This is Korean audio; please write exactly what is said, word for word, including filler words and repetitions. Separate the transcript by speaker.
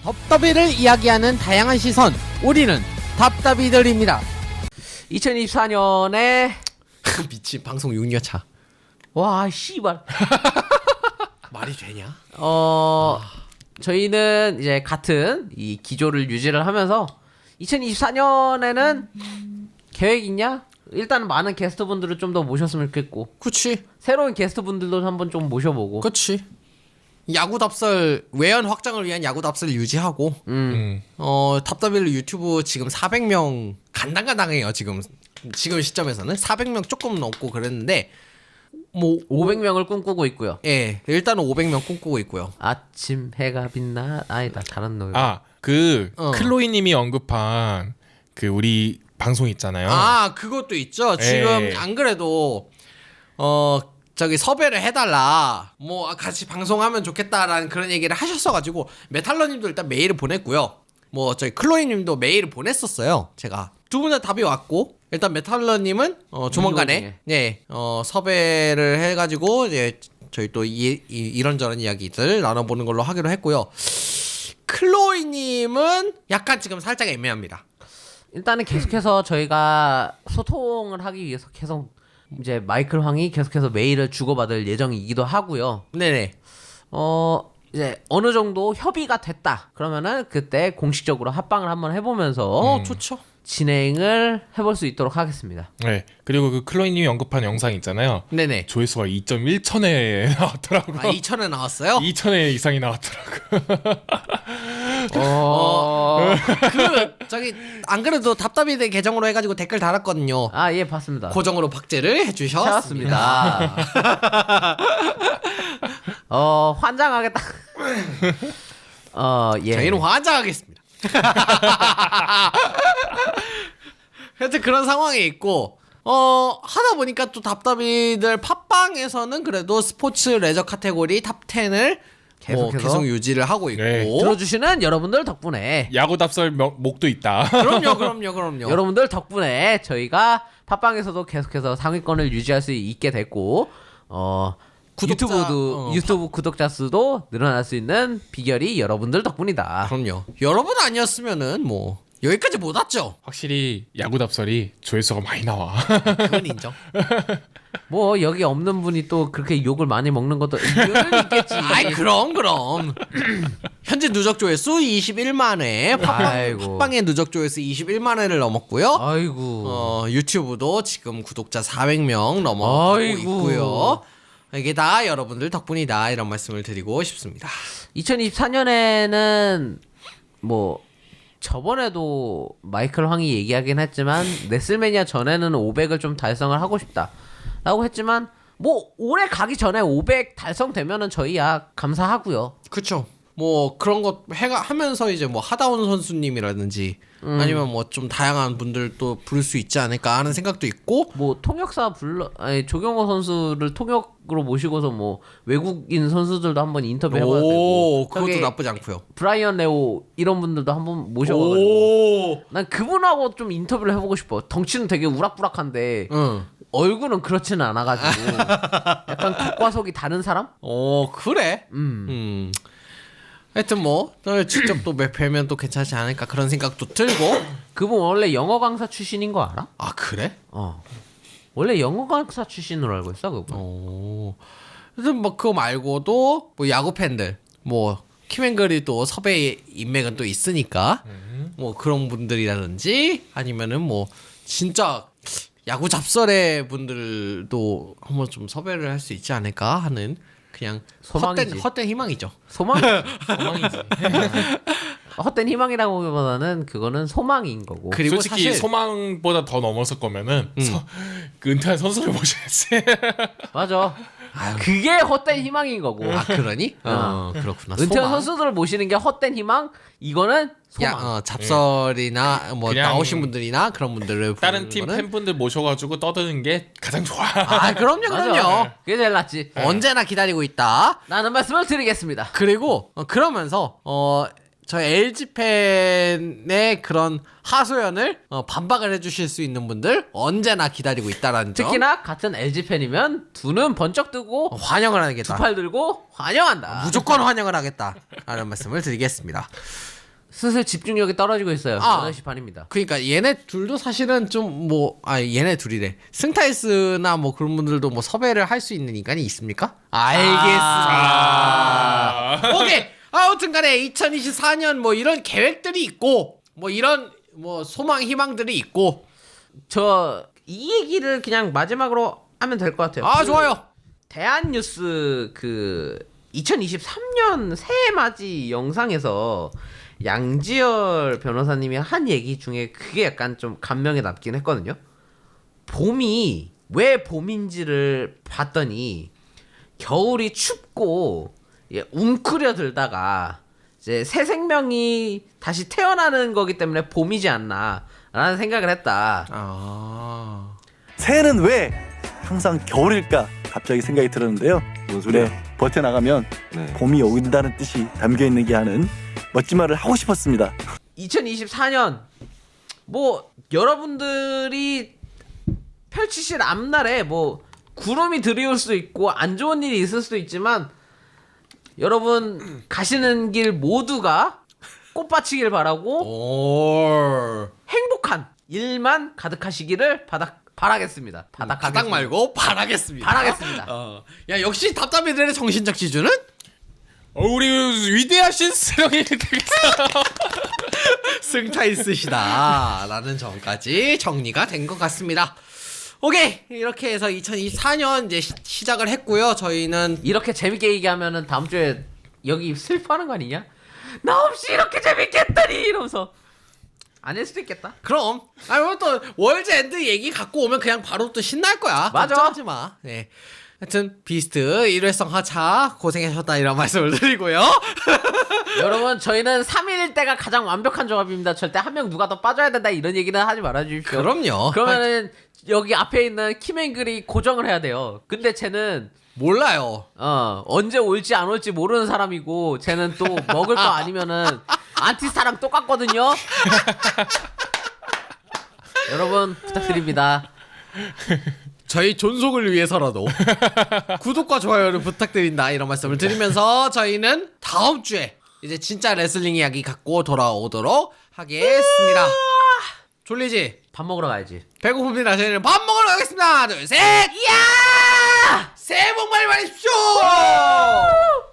Speaker 1: 덥더비를 이야기하는 다양한 시선, 우리는 답답이들입니다.
Speaker 2: 이천이십사 년에
Speaker 1: 미친, 방송 육 년 차.
Speaker 2: 와 씨발
Speaker 1: 말이 되냐?
Speaker 2: 어 저희는 이제 같은 이 기조를 유지를 하면서 이천이십사 년에는 계획 있냐? 일단 많은 게스트분들을 좀 더 모셨으면 좋겠고,
Speaker 1: 그치,
Speaker 2: 새로운 게스트분들도 한번 좀 모셔보고.
Speaker 1: 그치. 야구 답설, 외연 확장을 위한 야구 답설 유지하고,
Speaker 2: 음.
Speaker 3: 음.
Speaker 1: 어 답답이를 유튜브 지금 사백 명 간당간당해요. 지금 지금 시점에서는 사백 명 조금 넘고 그랬는데, 뭐
Speaker 2: 오백 명을 꿈꾸고 있고요.
Speaker 1: 예, 일단은 오백 명 꿈꾸고 있고요.
Speaker 2: 아침 해가 빛나 아니다 다른 노래.
Speaker 3: 아, 그
Speaker 1: 어.
Speaker 3: 클로이님이 언급한 그 우리 방송 있잖아요.
Speaker 1: 아, 그것도 있죠. 지금
Speaker 3: 예.
Speaker 1: 안 그래도 어 저기 섭외를 해달라, 뭐 같이 방송하면 좋겠다라는 그런 얘기를 하셨어가지고 메탈러님도 일단 메일을 보냈고요. 뭐 저희 클로이님도 메일을 보냈었어요. 제가 두 분 다 답이 왔고, 일단 메탈러님은 어 조만간에 네, 어 섭외를 해가지고 이제 저희 또 이, 이, 이런저런 이야기들 나눠보는 걸로 하기로 했고요. 클로이님은 약간 지금 살짝 애매합니다.
Speaker 2: 일단은 계속해서 저희가 소통을 하기 위해서 계속 이제 마이클 황이 계속해서 메일을 주고받을 예정이기도 하고요.
Speaker 1: 네네.
Speaker 2: 어 이제 어느 정도 협의가 됐다 그러면은 그때 공식적으로 합방을 한번 해보면서
Speaker 1: 어, 좋죠.
Speaker 2: 진행을 해볼 수 있도록 하겠습니다.
Speaker 3: 네. 그리고 그 클로이님이 언급한 영상 있잖아요.
Speaker 1: 네네.
Speaker 3: 조회수가 이 점 일 천에 나왔더라고요.
Speaker 1: 아, 이천에 나왔어요?
Speaker 3: 이 천회 이상이 나왔더라고요.
Speaker 2: 어...
Speaker 1: 그 저기 안 그래도 답답이들 계정으로 해가지고 댓글 달았거든요.
Speaker 2: 아, 예, 봤습니다.
Speaker 1: 고정으로 박제를 해주셨습니다.
Speaker 2: 찾았습니다. 어, 환장하겠다. 어, 예.
Speaker 1: 저희는 환장하겠습니다. 하여튼 그런 상황이 있고, 어 하다 보니까 또 답답이들 팟빵에서는 그래도 스포츠 레저 카테고리 탑 텐을 뭐
Speaker 2: 계속해서
Speaker 1: 계속 유지를 하고 있고.
Speaker 3: 네.
Speaker 2: 들어주시는 여러분들 덕분에
Speaker 3: 야구 답설 명- 목도 있다.
Speaker 1: 그럼요, 그럼요, 그럼요.
Speaker 2: 여러분들 덕분에 저희가 팟빵에서도 계속해서 상위권을 유지할 수 있게 됐고, 어
Speaker 1: 구독자,
Speaker 2: 유튜브도
Speaker 1: 어,
Speaker 2: 유튜브 구독자 수도 늘어날 수 있는 비결이 여러분들 덕분이다.
Speaker 1: 그럼요. 여러분 아니었으면은 뭐 여기까지 못 왔죠.
Speaker 3: 확실히 야구 답설이 조회수가 많이 나와.
Speaker 1: 그건 인정.
Speaker 2: 뭐 여기 없는 분이 또 그렇게 욕을 많이 먹는 것도 이유는 있겠지.
Speaker 1: 아이, 그럼 그럼. 현재 누적 조회수 이십일만 회, 팟빵,
Speaker 2: 아이고.
Speaker 1: 팟빵의 누적 조회수 이십일만 회를 넘었고요.
Speaker 2: 아이고.
Speaker 1: 어, 유튜브도 지금 구독자 사백 명 넘어가고
Speaker 2: 아이고.
Speaker 1: 있고요. 이게 다 여러분들 덕분이다, 이런 말씀을 드리고 싶습니다.
Speaker 2: 이천이십사 년에는 뭐 저번에도 마이클 황이 얘기하긴 했지만 네슬매니아 전에는 오백을 좀 달성을 하고 싶다 라고 했지만, 뭐 올해 가기 전에 오백 달성되면은 저희야 감사하고요.
Speaker 1: 그쵸. 뭐 그런 것 해가 하면서 이제 뭐 하다운 선수님이라든지
Speaker 2: 음.
Speaker 1: 아니면 뭐 좀 다양한 분들 또 부를 수 있지 않을까 하는 생각도 있고.
Speaker 2: 뭐 통역사 불러 아니 조경호 선수를 통역으로 모시고서 뭐 외국인 선수들도 한번 인터뷰 해봐야 되고,
Speaker 1: 오, 그것도
Speaker 2: 저기
Speaker 1: 나쁘지 않고요.
Speaker 2: 브라이언 레오 이런 분들도 한번 모셔가지고
Speaker 1: 오,
Speaker 2: 난 그분하고 좀 인터뷰를 해보고 싶어. 덩치는 되게 우락부락한데
Speaker 1: 응.
Speaker 2: 얼굴은 그렇지는 않아가지고 약간 겉과 속이 다른 사람?
Speaker 1: 어, 그래.
Speaker 2: 음.
Speaker 1: 음. 하여튼 뭐 또 직접 또 뵈면 또 괜찮지 않을까 그런 생각도 들고.
Speaker 2: 그분 원래 영어 강사 출신인 거 알아?
Speaker 1: 아, 그래?
Speaker 2: 어. 원래 영어 강사 출신으로 알고 있어 그분.
Speaker 1: 어. 하여튼 뭐 그거 말고도 뭐 야구 팬들, 뭐 키맨글이 또 섭외 인맥은 또 있으니까 뭐 그런 분들이라든지, 아니면은 뭐 진짜 야구 잡설의 분들도 한번 좀 섭외를 할 수 있지 않을까 하는 그냥
Speaker 2: 소망이지.
Speaker 1: 헛된 헛된 희망이죠.
Speaker 2: 소망?
Speaker 3: 소망이지.
Speaker 2: 헛된 희망이라고 하기보다는 그거는 소망인 거고.
Speaker 1: 그리고
Speaker 3: 솔직히
Speaker 1: 사실
Speaker 3: 소망보다 더 넘었을 거면은
Speaker 1: 음.
Speaker 3: 서, 그 은퇴한 선수를 모셔야지.
Speaker 2: 맞아. 그게 헛된 희망인 거고.
Speaker 1: 아, 그러니? 어, 그렇구나.
Speaker 2: 은퇴한
Speaker 1: 소망.
Speaker 2: 선수들을 모시는 게 헛된 희망? 이거는 소망.
Speaker 1: 야, 어, 잡설이나 뭐
Speaker 3: 그냥
Speaker 1: 나오신 분들이나 그런 분들을
Speaker 3: 다른
Speaker 1: 부르는
Speaker 3: 팀
Speaker 1: 거는-
Speaker 3: 팬분들 모셔가지고 떠드는 게 가장 좋아.
Speaker 1: 아, 그럼요,
Speaker 2: 맞아.
Speaker 1: 그럼요.
Speaker 2: 그게 제일 낫지.
Speaker 1: 언제나 기다리고 있다.
Speaker 2: 라는 말씀을 드리겠습니다.
Speaker 1: 그리고 어, 그러면서 어 저 엘지 팬의 그런 하소연을 어, 반박을 해주실 수 있는 분들 언제나 기다리고 있다라는 점.
Speaker 2: 특히나 같은 엘지 팬이면 두 눈 번쩍 뜨고
Speaker 1: 어, 환영을
Speaker 2: 두
Speaker 1: 하겠다.
Speaker 2: 팔 들고 환영한다.
Speaker 1: 무조건 환영을 하겠다. 라는 말씀을 드리겠습니다.
Speaker 2: 슬슬 집중력이 떨어지고 있어요.
Speaker 1: 아.
Speaker 2: 여덟 시 반입니다.
Speaker 1: 그러니까 얘네 둘도 사실은 좀 뭐 아 얘네 둘이래. 승타이스나 뭐 그런 분들도 뭐 섭외를 할 수 있는 인간이 있습니까? 알겠습니다. 오케이. 아무튼간에 이천이십사 년 뭐 이런 계획들이 있고 뭐 이런 뭐 소망 희망들이 있고.
Speaker 2: 저 이 얘기를 그냥 마지막으로 하면 될 것 같아요.
Speaker 1: 아
Speaker 2: 그
Speaker 1: 좋아요.
Speaker 2: 대한뉴스 그 이천이십삼 년 새해 맞이 영상에서 양지열 변호사님이 한 얘기 중에 그게 약간 좀 감명에 남긴 했거든요. 봄이 왜 봄인지를 봤더니 겨울이 춥고 예, 웅크려들다가 이제 새 생명이 다시 태어나는 거기 때문에 봄이지 않나라는 생각을 했다.
Speaker 1: 아.
Speaker 4: 새해는 왜 항상 겨울일까 갑자기 생각이 들었는데요.
Speaker 5: 뭔 소리야?
Speaker 4: 네, 버텨나가면
Speaker 5: 네.
Speaker 4: 봄이 온다는 뜻이 담겨있는 게 하는 멋진 말을 하고 싶었습니다.
Speaker 2: 이천이십사 년 뭐 여러분들이 펼치실 앞날에 뭐 구름이 드리울 수도 있고 안 좋은 일이 있을 수도 있지만 여러분 가시는 길 모두가 꽃밭이길 바라고
Speaker 1: 오.
Speaker 2: 행복한 일만 가득하시기를 바닥 바라겠습니다. 바닥
Speaker 1: 바닥 말고 바라겠습니다.
Speaker 2: 바라겠습니다.
Speaker 1: 어. 야 역시 답답이들의 정신적 지주는
Speaker 3: 어, 우리 위대하신 수령이 되겠어.
Speaker 1: 승타이스시다라는 점까지 정리가 된 것 같습니다. 오케이 이렇게 해서 이천이십사 년 이제 시, 시작을 했고요. 저희는
Speaker 2: 이렇게 재밌게 얘기하면은 다음 주에 여기 슬퍼하는 거 아니냐? 나 없이 이렇게 재밌게 했다니 이러면서 아닐 수도 있겠다.
Speaker 1: 그럼 아니 또 월드 엔드 얘기 갖고 오면 그냥 바로 또 신날 거야.
Speaker 2: 맞아.
Speaker 1: 걱정하지 마. 네. 하여튼 비스트 일회성 하차 고생하셨다 이런 말씀을 드리고요.
Speaker 2: 여러분 저희는 삼 일일 때가 가장 완벽한 조합입니다. 절대 한 명 누가 더 빠져야 된다 이런 얘기는 하지 말아 주십시오.
Speaker 1: 그럼요.
Speaker 2: 그러면은 여기 앞에 있는 키맨글이 고정을 해야 돼요. 근데 쟤는
Speaker 1: 몰라요.
Speaker 2: 어 언제 올지 안 올지 모르는 사람이고 쟤는 또 먹을 거 아니면은 안티스타랑 똑같거든요. 여러분 부탁드립니다.
Speaker 1: 저희 존속을 위해서라도 구독과 좋아요를 부탁드린다 이런 말씀을 드리면서 저희는 다음 주에 이제 진짜 레슬링 이야기 갖고 돌아오도록 하겠습니다. 졸리지?
Speaker 2: 밥 먹으러 가야지.
Speaker 1: 배고픕니다. 저희는 밥 먹으러 가겠습니다. 하나 둘 셋. 이야! 새해 복 많이 받으십시오.